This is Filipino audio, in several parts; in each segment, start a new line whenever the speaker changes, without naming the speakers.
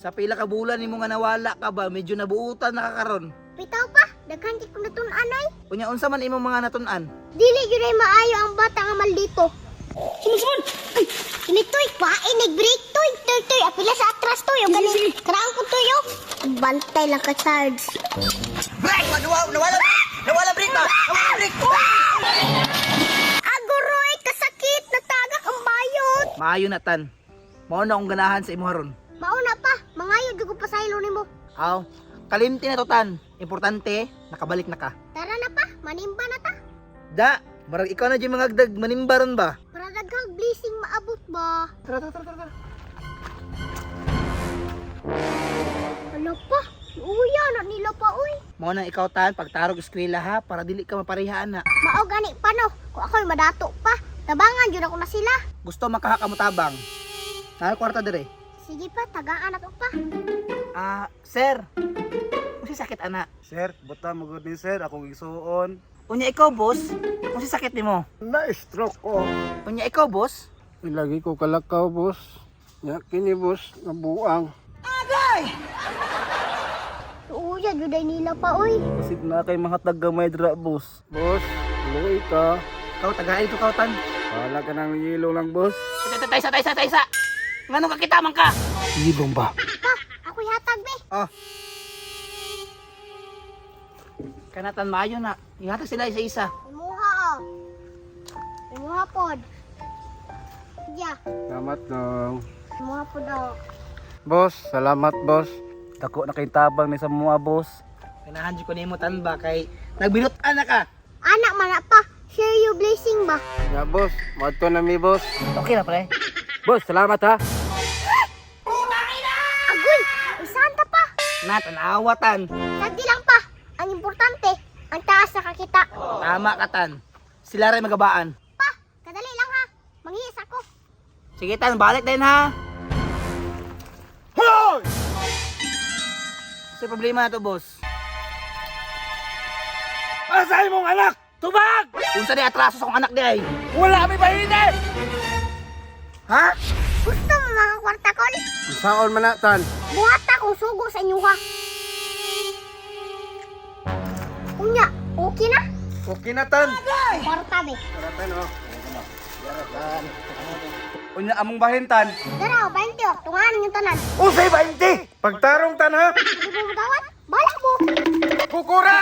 Sa pila ka bulan nimo nga nawala ka ba, medyo nabuutan na ka karon.
Bitaw pa, daghan kay kung natun-anay.
Unya unsa man imong mga natun-an?
Dili gyud ay maayo ang bata nga maldito. Sumusun! Ay, kinitoy pa, nag-break toy. Toy, apila sa atras toy. O galing, karaan ko toy, oh. Bantay lang ka, Sarge.
Break! Nawala break ba? Nawala break!
Aguroy, kasakit, natagak ang bayot.
Maayo na tan. Mao na akong ganahan sa imo haron.
Mauna pa, mangayod yung pasaylo ni mo.
Aw, kalimti na to tan. Importante, nakabalik na ka.
Tara na pa, manimba na ta.
Da, marag ikaw na dyan mga agdag, manimbaron ba?
Para daghang blessing maabot ba?
Tara.
Ano pa? Uya na nila pa, uy.
Mao na ikaw tan, pagtarog eskwela ha, para dili ka maparihaan na.
Mao gani pa no, kung ako'y madato pa. Tabangan yun ako na sila.
Gusto makahakamutabang. Nahal kwarta dire.
Sige pa, tagaan ako pa.
Sir. Kung sakit ana.
Sir, buta mo good ni sir, akong isuon.
Unya ikaw, boss. Kung sakit nimo.
Na-stroke ko.
Unya ikaw, boss.
Ilagi ko kalakaw, boss. Ya, kini, boss, nabuang.
Uya, juday nila pa, uy.
Kasi na kay mga taga-may dra, boss. Boss, luwi ka.
Ikaw, tagaay ito kautan.
Wala ka ng yelo lang, boss.
Taysa. Ngano ka kita man ka?
Yelong ba?
Pa, ako'y hatag, be.
Oh. Kanatan maayo na. Ihatag sila isa-isa.
Imuha, oh. Imuha pod. Yeah,
Salamat dong.
imuha pod, oh.
Boss, salamat, boss. Dako na kay tabang ni sa mga boss.
Ganahan ko nimo tan ba kay nagbinutan na ka.
Anak man na pa, share your blessing ba?
Ya, boss, madto na mi, boss.
Okay na pre.
Boss, salamat ha.
Agoy, isanta pa.
Natanawatan.
Sagdi lang pa. Ang importante, ang taas na kakita.
Tama ka tan. Sila rin magabaan.
Pa, kadali lang ha. Manghihis ako.
Sige tan, balik din ha.
Hoy!
Sa problema na to, boss.
Asay mong anak! Tubag!
Unsa di atraso sa akong anak di ay?
Wala kami bahine!
Ha?
Gusto mo mga kwarta kon?
Saon man na, tan?
Buhat akong sugo sa inyo ha. Unya, okay na?
Okay na, tan.
Kwarta be.
Tan, oh. Unya among bahintan.
Dara, 20 oh. Tungahan yung tanan.
Usay 20! Pagtarong tan ha!
Hindi mo magawat? Balak mo.
Kukura!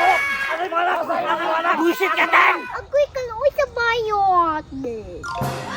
Buisit ka tan!
Agoy ka na, uy sa bayot.